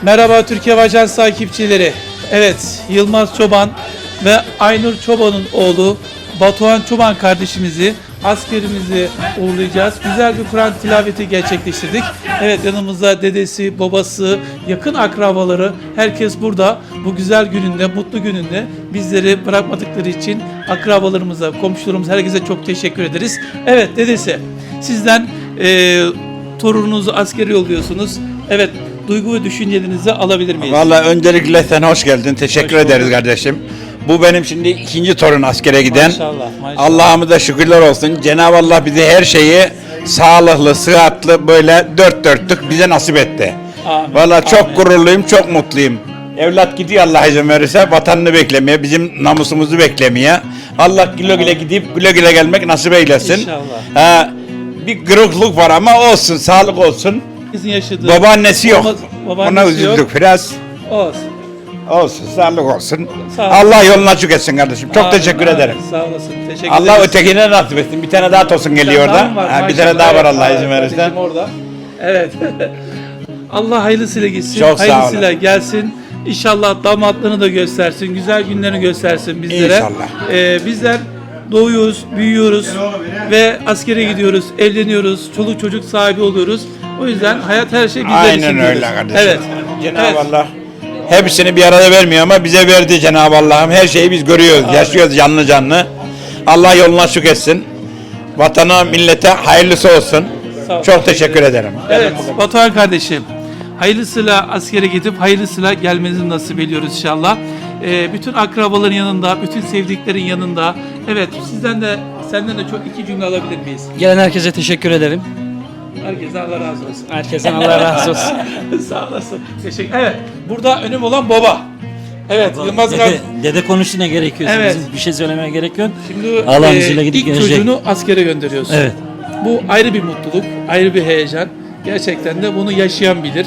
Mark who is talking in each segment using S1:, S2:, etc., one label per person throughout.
S1: Merhaba Türkiye Ajans takipçileri. Evet, Yılmaz Çoban ve Aynur Çoban'ın oğlu Batuhan Çoban kardeşimizi, askerimizi uğurlayacağız. Güzel bir Kur'an tilaveti gerçekleştirdik. Evet, yanımızda dedesi, babası, yakın akrabaları, herkes burada. Bu güzel gününde, mutlu gününde bizleri bırakmadıkları için akrabalarımıza, komşularımıza, herkese çok teşekkür ederiz. Evet dedesi, sizden torununuzu askere yolluyorsunuz. Evet, duygu ve düşüncelerinizi alabilir miyiz?
S2: Vallahi öncelikle sen hoş geldin. Teşekkür
S1: Hoş
S2: ederiz
S1: bulduk.
S2: kardeşim. Bu benim şimdi ikinci torun askere giden.
S1: Maşallah, maşallah.
S2: Allah'ımıza şükürler olsun. Cenab-ı Allah bize her şeyi sağlıklı, sıhhatli böyle dört dörtlük bize nasip etti.
S1: Amin,
S2: Vallahi çok
S1: amin.
S2: gururluyum, çok mutluyum. Evlat gidiyor Allah izin verirse vatanını beklemeye, bizim namusumuzu beklemeye. Allah güle güle gidip güle güle gelmek nasip eylesin.
S1: İnşallah.
S2: Bir kırıklık var ama olsun, sağlık olsun.
S1: Sizin yaşadığı...
S2: Babaannesi yok.
S1: Babaannesi
S2: Ona üzüldük
S1: yok.
S2: biraz.
S1: Olsun.
S2: Olsun, sağlık olsun.
S1: Sağ ol.
S2: Allah yolunu açık etsin kardeşim. Çok
S1: Amin,
S2: teşekkür
S1: amin.
S2: ederim.
S1: Sağ olasın. Teşekkür
S2: Allah
S1: ederiz.
S2: ötekine nasip etsin. Bir tane daha tosun geliyor
S1: Daha
S2: orada.
S1: mı var?
S2: Bir
S1: Maşallah.
S2: tane daha var
S1: Evet,
S2: Allah
S1: evet,
S2: izin verirse.
S1: kardeşim orada. Evet. Allah hayırlısıyla gitsin.
S2: Çok sağ olun.
S1: Hayırlısıyla gelsin. İnşallah damatlarını da göstersin. Güzel günlerini göstersin bizlere.
S2: İnşallah.
S1: Bizler doğuyoruz, büyüyoruz ve askere gidiyoruz, evleniyoruz, çoluk çocuk sahibi oluyoruz. O yüzden hayat her şey bizler için.
S2: Aynen öyle
S1: diyoruz.
S2: kardeşim.
S1: Evet.
S2: Cenab-ı
S1: Evet.
S2: Allah hepsini bir arada vermiyor ama bize verdi Cenab-ı Allah'ım. Her şeyi biz görüyoruz,
S1: Amin.
S2: yaşıyoruz canlı canlı. Allah yolunu açık etsin. Vatana, millete hayırlısı olsun.
S1: Sağ ol,
S2: Çok teşekkür ederim.
S1: Evet, Batuhan kardeşim. Hayırlısıyla askere gidip hayırlısıyla gelmenizi nasip ediyoruz inşallah. Bütün akrabaların yanında, bütün sevdiklerin yanında. Evet, senden de çok iki cümle alabilir miyiz?
S3: Gelen herkese teşekkür ederim.
S1: Herkese Allah razı olsun.
S3: Herkesten Allah razı olsun.
S1: Sağ olasın. Teşekkür. Evet, burada önüm olan baba. Evet, Yılmaz kardeşim.
S3: Dede konuştu ne gerekiyor?
S1: Evet.
S3: Bizim bir şey söylemeye gerek yok.
S1: Şimdi
S3: Allah'ın izniyle gidip
S1: ilk
S3: gelecek.
S1: çocuğunu askere gönderiyorsun.
S3: Evet.
S1: Bu ayrı bir mutluluk, ayrı bir heyecan. Gerçekten de bunu yaşayan bilir.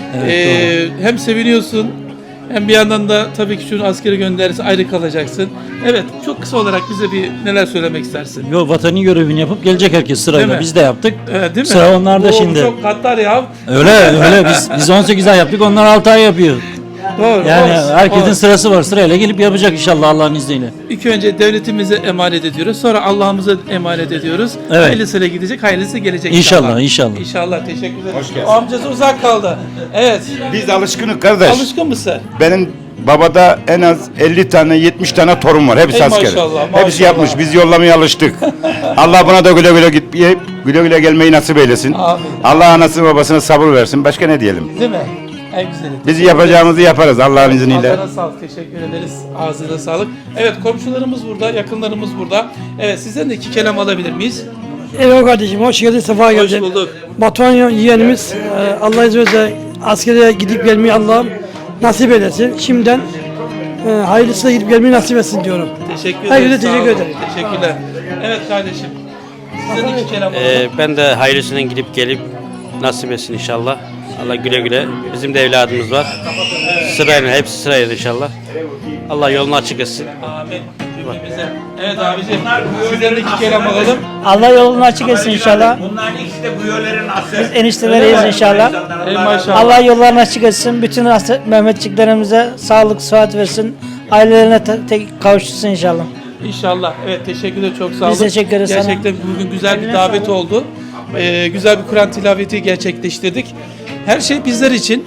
S3: Evet,
S1: Hem seviniyorsun hem bir yandan da tabii ki şunu askere gönderirse ayrı kalacaksın. Evet, çok kısa olarak bize bir neler söylemek istersin?
S3: Yo, vatanın görevini yapıp gelecek herkes
S1: Değil
S3: sırayla.
S1: mi?
S3: Biz de yaptık.
S1: Evet, değil mi?
S3: Sıra onlarda
S1: Bu
S3: şimdi.
S1: Çok katlar ya.
S3: Öyle biz 18 ay yaptık, onlar 6 ay yapıyor.
S1: Doğru.
S3: Yani
S1: olsun,
S3: herkesin
S1: olsun.
S3: sırası var, sırayla gelip yapacak inşallah Allah'ın izniyle.
S1: İlk önce devletimize emanet ediyoruz. Sonra Allah'ımıza emanet ediyoruz.
S3: Evet.
S1: Hayırlısıyla gidecek, hayırlısı gelecek
S3: İnşallah, inşallah.
S1: İnşallah. Teşekkür ederim.
S2: Hoş geldin.
S1: O amcası uzak kaldı. Evet.
S2: Biz alışkınız kardeş.
S1: Alışkın mısın?
S2: Benim babada en az 50 tane 70 tane torun var. Hepsi
S1: Ey
S2: asker.
S1: maşallah,
S2: Hepsi
S1: maşallah.
S2: yapmış. Biz yollamaya alıştık. Allah buna da güle güle gitmeye, güle güle gelmeyi nasip eylesin.
S1: Amin.
S2: Allah anasını babasına sabır versin. Başka ne diyelim?
S1: Değil mi? En güzeli.
S2: Biz yapacağımızı yaparız Allah'ın izniyle.
S1: Ağzına sağlık, teşekkür ederiz. Ağzına sağlık. Evet, komşularımız burada, yakınlarımız burada. Evet, sizden de iki kelam alabilir miyiz?
S4: Evet kardeşim, hoş geldin, sefa
S1: Hoş
S4: geldin.
S1: bulduk.
S4: Batuhan yeğenimiz, Allah izin verirse askere gidip gelmeyi Allah'ım nasip eylesin. Şimdiden hayırlısıyla gidip gelmeyi nasip etsin diyorum.
S1: Teşekkür ederiz.
S4: Herkese
S1: sağ
S4: teşekkür
S1: olun.
S4: ederim.
S1: Teşekkürler. Evet kardeşim. Sizden iki kelam alalım.
S5: Ben de hayırlısına gidip gelip nasip etsin inşallah. Allah güle güle. Bizim de evladımız var. Sırayla, hepsi sırayla inşallah. Allah yolunu açık etsin.
S1: Amin. Cümlemize. Evet abiciğim. Sizden de iki kelam alalım.
S6: Allah yolunu açık etsin inşallah.
S2: Bunların ikisi de bu yolların aslı.
S6: Biz enişteleriyiz inşallah.
S1: Ey maşallah.
S6: Allah yollarını açık etsin. Bütün Mehmetçiklerimize sağlık, sıhhat versin. Ailelerine tek kavuştursun inşallah.
S1: İnşallah. Evet, teşekkür ederim. Çok sağ olun.
S6: Biz teşekkür ederiz sana.
S1: Gerçekten bugün güzel bir
S6: Eline
S1: davet
S6: sağlık.
S1: oldu. Güzel bir Kur'an tilaveti gerçekleştirdik. Her şey bizler için,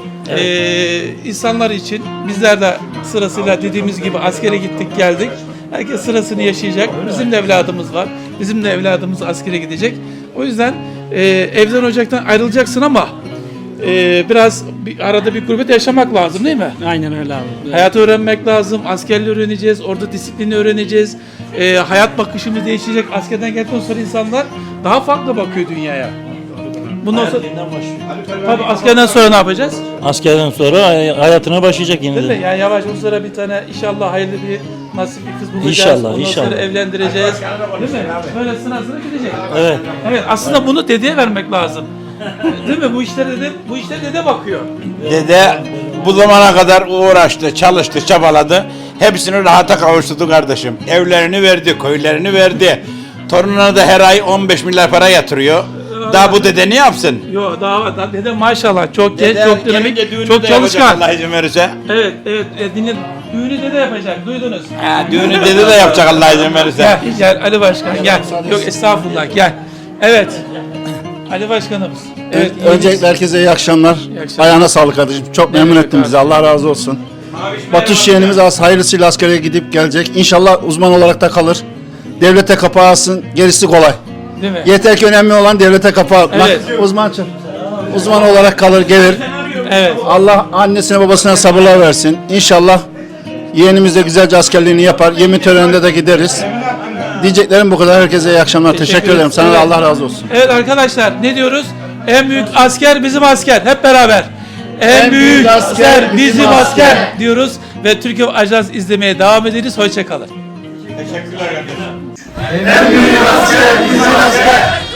S1: insanlar için. Bizler de sırasıyla dediğimiz gibi askere gittik geldik. Herkes sırasını yaşayacak. Bizim de evladımız var. Bizim de evladımız askere gidecek. O yüzden evden ocaktan ayrılacaksın ama biraz arada bir gurbet yaşamak lazım değil mi?
S3: Aynen öyle abi.
S1: Hayatı öğrenmek lazım. Askerliği öğreneceğiz. Orada disiplini öğreneceğiz. Hayat bakışımız değişecek. Askerden geldikten sonra insanlar daha farklı bakıyor dünyaya. Bundan sonra tabii askerden sonra ne yapacağız?
S3: Askerden sonra hayatına başlayacak
S1: Değil mi?
S3: yeniden.
S1: Yani yavaş o sıra bir tane inşallah hayırlı bir nasip bir kız bulacağız.
S3: İnşallah,
S1: Ondan
S3: inşallah.
S1: sonra evlendireceğiz. Değil mi? Böyle sıra sıra gidecek.
S3: Evet.
S1: Evet, aslında bunu dedeye vermek lazım. Değil mi? Bu işlere dede bakıyor.
S2: Dede bu zamana kadar uğraştı, çalıştı, çabaladı. Hepsini rahata kavuşturdu kardeşim. Evlerini verdi, köylerini verdi. Torununa da her ay 15 milyar para yatırıyor. Daha bu dede ne yapsın?
S1: Yok daha var. Daha dede maşallah çok genç,
S2: Dede
S1: çok dinamik,
S2: gelince düğünü
S1: çok
S2: de yapacak
S1: çalışkan.
S2: Allah izin verirse.
S1: Evet, evet. Dinle. Düğünü dede yapacak. Duydunuz.
S2: Ha, düğünü dede de yapacak Allah izin verirse.
S1: Gel, gel Ali Başkan gel. Yok estağfurullah gel. Evet. Ali Başkanımız. Evet.
S7: Öncelikle herkese iyi akşamlar.
S1: akşamlar.
S7: Ayağına sağlık kardeşim. Çok memnun
S1: Evet,
S7: ettin bizi. Allah razı olsun. Batuş yeğenimiz hayırlısıyla askere gidip gelecek. İnşallah uzman olarak da kalır. Devlete kapağı alsın. Gerisi kolay.
S1: Değil mi?
S7: Yeter ki önemli olan devlete kapağı atmak.
S1: Evet.
S7: Uzman olarak kalır gelir.
S1: Evet.
S7: Allah annesine babasına sabırlar versin. İnşallah yeğenimiz de güzelce askerliğini yapar. Yemin töreninde de gideriz. Diyeceklerim bu kadar. Herkese iyi akşamlar. Teşekkür ederim. Sana da
S1: Evet.
S7: Allah razı olsun.
S1: Evet arkadaşlar ne diyoruz? En büyük asker bizim asker. Hep beraber. En büyük asker bizim asker diyoruz ve Türkiye Ajans izlemeye devam ederiz. Hoşça kalın.
S2: Teşekkürler kardeşim.
S1: En büyük asker bizim asker.